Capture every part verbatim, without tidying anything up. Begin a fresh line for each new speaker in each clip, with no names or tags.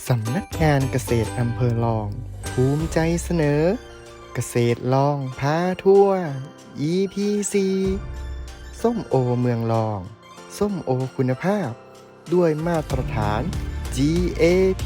สำนักงานเกษตรอำเภอลองภูมิใจเสนอ เกษตรลองพาทั่ว อี พี โฟร์ ส้มโอเมืองลอง ส้มโอคุณภาพ ด้วยมาตรฐาน จี เอ พี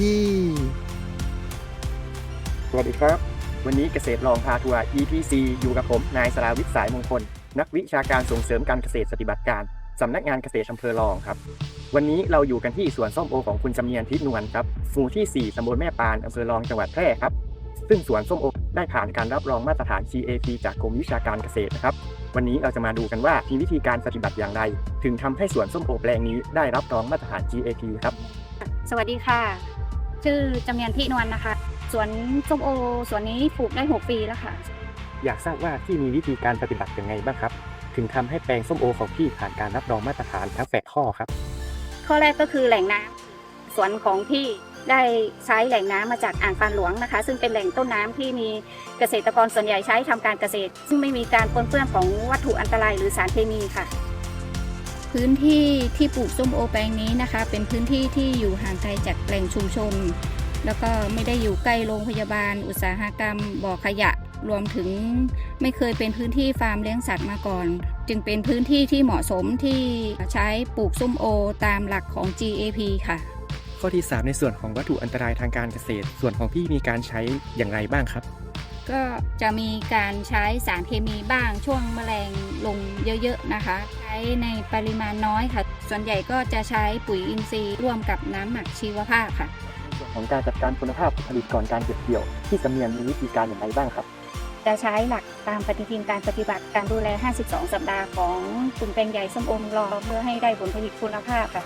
สวัสดีครับ วันนี้เกษตรลองพาทัวร์ อี พี โฟร์ อยู่กับผมนายสราวิทย์สายมงคลนักวิชาการส่งเสริมการเกษตรปฏิบัติการสำนักงานเกษตรอำเภอลองครับวันนี้เราอยู่กันที่สวนส้มโอของคุณจำเนียนทิศนวลครับหมู่ที่สี่ตำบลแม่ปานอำเภอลองจังหวัดแพร่ครับซึ่งสวนส้มโอได้ผ่านการรับรองมาตรฐาน จี เอ พี จากกรมวิชาการเกษตรนะครับวันนี้เราจะมาดูกันว่ามีวิธีการปฏิบัติอย่างไรถึงทำให้สวนส้มโอแปลงนี้ได้รับรองมาตรฐาน จี เอ พี ครับ
สวัสดีค่ะชื่อจำเนียนทินวลนะคะสวนส้มโอสวนนี้ปลูกได้หกปีแล้วค่ะ
อยากทราบว่าที่มีวิธีการปฏิบัติยังไงบ้างครับถึงทำให้แปลงส้มโอของพี่ผ่านการรับรองมาตรฐานทั้งแปดข้อครับ
ข้อแรกก็คือแหล่งน้ำสวนของพี่ได้ใช้แหล่งน้ำมาจากอ่างปานหลวงนะคะซึ่งเป็นแหล่งต้นน้ำที่มีเกษตรกรส่วนใหญ่ใช้ทำการเกษตรซึ่งไม่มีการปนเปื้อนของวัตถุอันตรายหรือสารเคมีค่ะ
พื้นที่ที่ปลูกส้มโอแปลงนี้นะคะเป็นพื้นที่ที่อยู่ห่างไกลจากแหล่งชุมชนแล้วก็ไม่ได้อยู่ใกล้โรงพยาบาลอุตสาหกรรมบ่อขยะรวมถึงไม่เคยเป็นพื้นที่ฟาร์มเลี้ยงสัตว์มาก่อนจึงเป็นพื้นที่ที่เหมาะสมที่ใช้ปลูกส้มโอตามหลักของ จี เอ พี ค่ะ
ข้อที่สามในส่วนของวัตถุอันตรายทางการเกษตรส่วนของพี่มีการใช้อย่างไรบ้างครับ
ก็จะมีการใช้สารเคมีบ้างช่วงแมลงลงเยอะๆนะคะใช้ในปริมาณน้อยค่ะส่วนใหญ่ก็จะใช้ปุ๋ยอินทรีย์ร่วมกับน้ำหมักชีวภาพค่ะ
ส่วนของการจัดการคุณภาพผลิตก่อนการเก็บเกี่ยวที่จำเนียนมีวิธีการอย่างไรบ้างครับ
จะใช้หลักตามปฏิทินการปฏิบัติการดูแลห้าสิบสองสัปดาห์ของกลุ่มแปลงใหญ่ส้มโอรอเพื่อให้ได้ผลผลิตคุณภาพค่ะ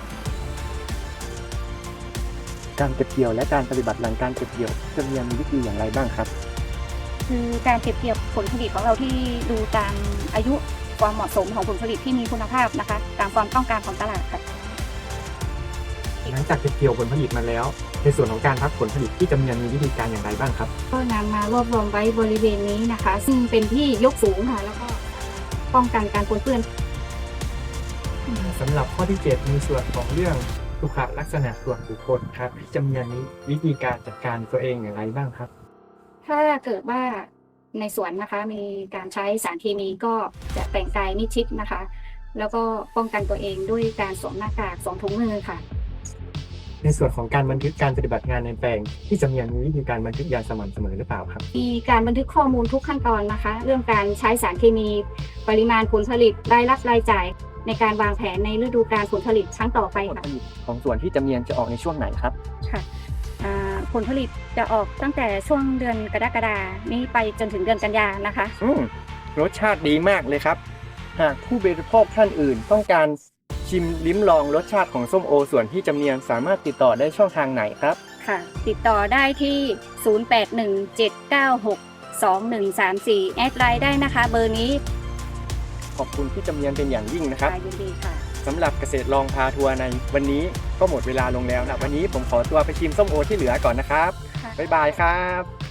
การเก็บเกี่ยวและการปฏิบัติหลังการเก็บเกี่ยวจำเนียนมีวิธีอย่างไรบ้างครับ
คือการเก็บเกี่ยวผลผลิตของเราที่ดูตามอายุความเหมาะสมของผลผลิตที่มีคุณภาพนะคะตามความต้องการของตลาดค่ะ
หลังจากเก็บเกี่ยวผลผลิตมาแล้วในส่วนของการพักผลผลิตที่จำเนียนมีวิธีการอย่างไรบ้างครับ
ก็นำมารวบรวมไว้บริเวณนี้นะคะซึ่งเป็นที่ยกสูงค่ะแล้วก็ป้องกันการปนเปื้อน
สำหรับข้อที่เจ็ดมีส่วนของเรื่องสุขลักษณะส่วนบุคคลครับที่จำเนียนนี้วิธีการจัดการตัวเองอย่างไรบ้างครับ
ถ้าเกิดว่าในสวนนะคะมีการใช้สารเคมีก็จะแต่งกายมิดชิดนะคะแล้วก็ป้องกันตัวเองด้วยการสวมหน้ากากสวมถุงมือค่ะ
ในส่วนของการบันทึกการปฏิบัติงานในแปลงที่จำเนียนมีวิธีการบันทึกอย่างสม่ำเสมอหรือเปล่าครับ
มีการบันทึกข้อมูลทุกขั้นตอนนะคะเรื่องการใช้สารเคมีปริมาณผลผลิตรายรับรายจ่ายในการวางแผนในฤดูกาลผลผลิตครั้งต่อไปค่ะผลผลิต
ของส่วนที่จำเนียนจะออกในช่วงไหนครับ
ค่ะผลผลิตจะออกตั้งแต่ช่วงเดือนกรกฎาคมนี้ไปจนถึงเดือนกันยายนนะคะ
อืมรสชาติดีมากเลยครับหากผู้บริโภคท่านอื่นต้องการชิมลิ้มลองรสชาติของส้มโอส่วนที่จำเนียนสามารถติดต่อได้ช่องทางไหนครับ
ค่ะติดต่อได้ที่ศูนย์ แปด หนึ่ง เจ็ด เก้า หก สอง หนึ่ง สาม สี่แอดไลน์ได้นะคะเบอร์นี้
ขอบคุณพี่จำเนียนเป็นอย่างยิ่งนะครับ
ยินดีค่ะ
สำหรับเกษตรลองพาทัวร์ในวันนี้ก็หมดเวลาลงแล้วนะวันนี้ผมขอตัวไปชิมส้มโอที่เหลือก่อนนะครับบ๊ายบายครับ